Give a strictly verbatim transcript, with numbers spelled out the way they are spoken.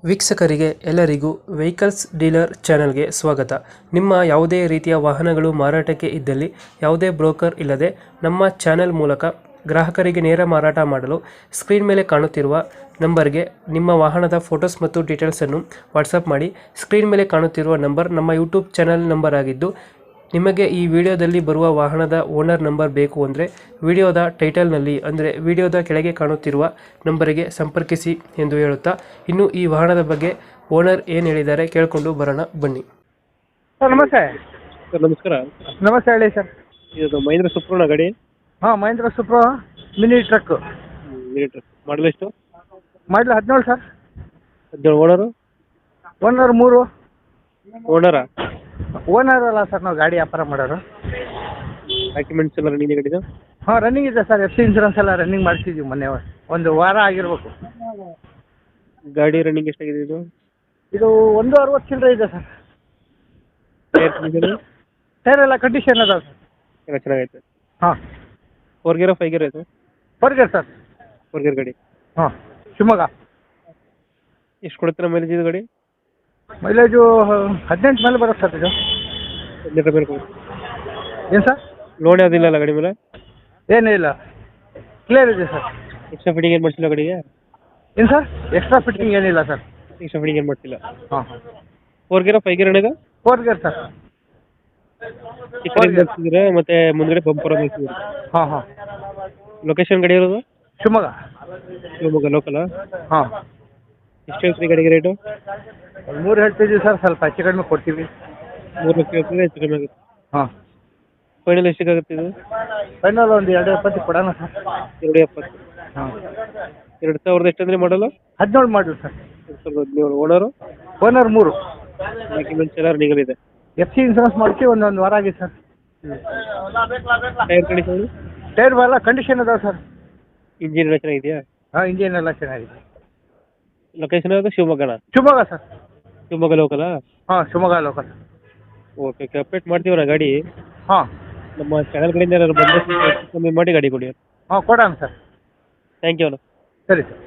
ವೀಕ್ಷಕರಿಗೆ ಎಲ್ಲರಿಗೂ vehicles dealer ಚಾನೆಲ್ಗೆ ಸ್ವಾಗತ. ನಿಮ್ಮ ಯಾವುದೇ ರೀತಿಯ ವಾಹನಗಳು ಮಾರಾಟಕ್ಕೆ ಇದ್ದಲ್ಲಿ ಯಾವುದೇ ಬ್ರೋಕರ್ ಇಲ್ಲದೆ ನಮ್ಮ ಚಾನೆಲ್ ಮೂಲಕ ಗ್ರಾಹಕರಿಗೆ ನೇರ ಮಾರಾಟ ಮಾಡಲು ಸ್ಕ್ರೀನ್ ಮೇಲೆ ಕಾಣುತ್ತಿರುವ ನಂಬರ್ಗೆ ನಿಮ್ಮ ವಾಹನದ ಫೋಟೋಸ್ ಮತ್ತು ಡೀಟೇಲ್ಸನ್ನು ವಾಟ್ಸಪ್ ಮಾಡಿ. ಸ್ಕ್ರೀನ್ ಮೇಲೆ ಕಾಣುತ್ತಿರುವ ನಂಬರ್ ನಮ್ಮ ಯೂಟ್ಯೂಬ್ ಚಾನೆಲ್ ನಂಬರ್ ಆಗಿದ್ದು, ನಿಮಗೆ ಈ ವಿಡಿಯೋದಲ್ಲಿ ಬರುವ ವಾಹನದ ಓನರ್ ನಂಬರ್ ಬೇಕು ಅಂದರೆ ವಿಡಿಯೋದ ಟೈಟಲ್ನಲ್ಲಿ ಅಂದರೆ ವಿಡಿಯೋದ ಕೆಳಗೆ ಕಾಣುತ್ತಿರುವ ನಂಬರಿಗೆ ಸಂಪರ್ಕಿಸಿ ಎಂದು ಹೇಳುತ್ತಾ, ಇನ್ನು ಈ ವಾಹನದ ಬಗ್ಗೆ ಓನರ್ ಏನು ಹೇಳಿದ್ದಾರೆ ಕೇಳಿಕೊಂಡು ಬರೋಣ ಬನ್ನಿ. ಸರ್ ನಮಸ್ತೆ. ಸರ್ ನಮಸ್ಕಾರ. ನಮಸ್ತೆ ಹೇಳಿ ಸರ್. ಇದು ಮಹೇಂದ್ರ ಸುಪ್ರೋಣ ಗಾಡಿ. ಹಾಂ, Mahindra Supro mini truck. Mini truck model ಎಷ್ಟು? ಮಾಡಲ್ ಹದಿನೇಳು ಸರ್. ಹದಿನೇಳು. ಓನರು? ಓನರ್ ಮೂರು. ಓನರಾ? ಓನರ್ ಅಲ್ಲ ಸರ್, ನಾವು ಗಾಡಿ ವ್ಯಾಪಾರ ಮಾಡೋರು. ಡಾಕ್ಯುಮೆಂಟ್ಸ್ ಎಲ್ಲ ರನ್ನಿಂಗ್ ಗಾಡಿದು? ಹಾಂ, ರನ್ನಿಂಗ್ ಇದೆ ಸರ್. ಎಫ್ ಸಿ ಇನ್ಸೂರೆನ್ಸ್ ಎಲ್ಲ ರನ್ನಿಂಗ್ ಮಾಡಿಸಿದ್ದೀವಿ ಮೊನ್ನೆ, ಒಂದು ವಾರ ಆಗಿರ್ಬೇಕು. ಗಾಡಿ ರನ್ನಿಂಗ್ ಎಷ್ಟಾಗಿದೆ ಇದು? ಇದು ಒಂದು ಅರವತ್ತು ಚಿಲ್ಲರೆ ಇದೆ ಸರ್. ಟೈರ್ ಎಲ್ಲ ಕಂಡೀಷನ್ ಅದಾವೆ ಸರ್. ಎಲ್ಲ ಚೆನ್ನಾಗೈತೆ. ಹಾಂ. ಫೋರ್ ಗೇರ ಫೈವ್ ಗೇರ್ ಆಯಿತು? Four gear sir. Four gear ಗಾಡಿ. ಹಾಂ, ಶಿವಮೊಗ್ಗ. ಎಷ್ಟು ಕೊಡುತ್ತೆ ಮೈಲೇಜ್ ಇದು ಗಾಡಿ? ಮೈಲೇಜು ಹದಿನೆಂಟು ಮೇಲೆ ಬರುತ್ತೆ ಸರ್ ಇದು. ಹದಿನೆಂಟರ ಮೇಲೆ ಕೊಡುತ್ತೆ. ಏನು ಸರ್? ಲೋನ್ ಯಾವುದಿಲ್ಲ ಅಲ್ಲ ಗಾಡಿ ಮೇಲೆ? ಏನೂ ಇಲ್ಲ, ಕ್ಲಿಯರ್ ಇದೆ ಸರ್. ಎಕ್ಸ್ಟ್ರಾ ಫಿಟ್ಟಿಂಗ್ ಏನು ಮಾಡಿಸಿಲ್ಲ ಗಾಡಿಗೆ? ಏನು ಸರ್? ಎಕ್ಸ್ಟ್ರಾ ಫಿಟ್ಟಿಂಗ್ ಏನಿಲ್ಲ ಸರ್. ಎಕ್ಸ್ಟ್ರಾ ಫಿಟ್ಟಿಂಗ್ ಏನು ಮಾಡಿಸಿಲ್ಲ. ಹಾಂ. ಫೋರ್ ಗೇರ ಫೈವ್ ಗೇರ್ ಏನಿದೆ? Four gear sir. ಚಿಕ್ಕದಿದ್ರೆ ಮತ್ತೆ ಮುಂದ್ಗಡೆ ಬಂಪರ್ ಹಾಂ ಹಾಂ ಹಾಂ. ಲೊಕೇಶನ್ ಗಾಡಿ ಇರೋದು? ಶಿವಮೊಗ್ಗ. ಶಿವಮೊಗ್ಗ ಲೋಕಲಾ? ಹಾಂ. ಎಷ್ಟು ಹೇಳ್ತೀರಿ ಗಾಡಿಗೆ ರೇಟು? ಒಂದು ಮೂರು ಹೇಳ್ತಿದ್ದೀವಿ ಸರ್, ಸ್ವಲ್ಪ ಹೆಚ್ಚು ಕಡಿಮೆ ಕೊಡ್ತೀವಿ. ಮೂರು ಲಕ್ಷ ಹೇಳ್ತೀವಿ, ಹೆಚ್ಚು ಕಡಿಮೆ ಆಗುತ್ತೆ. ಹಾಂ. ಫೈನಲ್ ಎಷ್ಟಿಗಾಗುತ್ತೆ ಇದು? ಫೈನಲ್ ಒಂದು ಎರಡು ಎಪ್ಪತ್ತು ಕೊಡೋಣ ಸರ್. ಎರಡು ಎಪ್ಪತ್ತು. ಹಾಂ. ಎರಡು ಸಾವಿರದ ಎಷ್ಟು ಅಂದರೆ ಮಾಡಲು? ಹದಿನೇಳು ಮಾಡಲು ಸರ್. ಎರಡು ಸಾವಿರದ ಹದಿನೇಳು. ಓನರು? ಓನರ್ ಮೂರು. ಡಾಕ್ಯುಮೆಂಟ್ಸ್ ಎಲ್ಲ ರನ್ನಿಂಗ್ ಇದೆ. ಎಫ್ ಸಿ ಇನ್ಸೂರೆನ್ಸ್ ಮಾಡಿಸಿ ಒಂದೊಂದು ವಾರ ಆಗಿದೆ ಸರ್. Tyre condition? ಟೈರ್ ಎಲ್ಲ ಕಂಡೀಷನ್ ಅದಾವೆ ಸರ್. ಇಂಜಿನ್ ಎಲ್ಲ ಚೆನ್ನಾಗಿದೆಯಾ? ಹಾಂ, ಇಂಜಿನ್ ಎಲ್ಲ ಚೆನ್ನಾಗಿದೆ. ಲೊಕೇಶನ್ ಯಾವುದು? ಶಿವಮೊಗ್ಗನ? ಶಿವಮೊಗ್ಗ ಸರ್. ಶಿವಮೊಗ್ಗ ಲೋಕಲಾ? ಹಾಂ, Shivamogga local. Okay okay, update ಮಾಡ್ತೀವಣ್ಣ ಗಾಡಿ. ಹಾಂ. ನಮ್ಮ ಚಾನಲ್ ಕಡೆಯಿಂದ ಏನಾದ್ರು ಬಂದರೆ ಕಮ್ಮಿ ಮಾಡಿ ಗಾಡಿ ಕೊಡಿ. ಹಾಂ, ಕೊಡೋಣ ಸರ್. ಥ್ಯಾಂಕ್ ಯು ಅಣ್ಣ. ಸರಿ ಸರ್.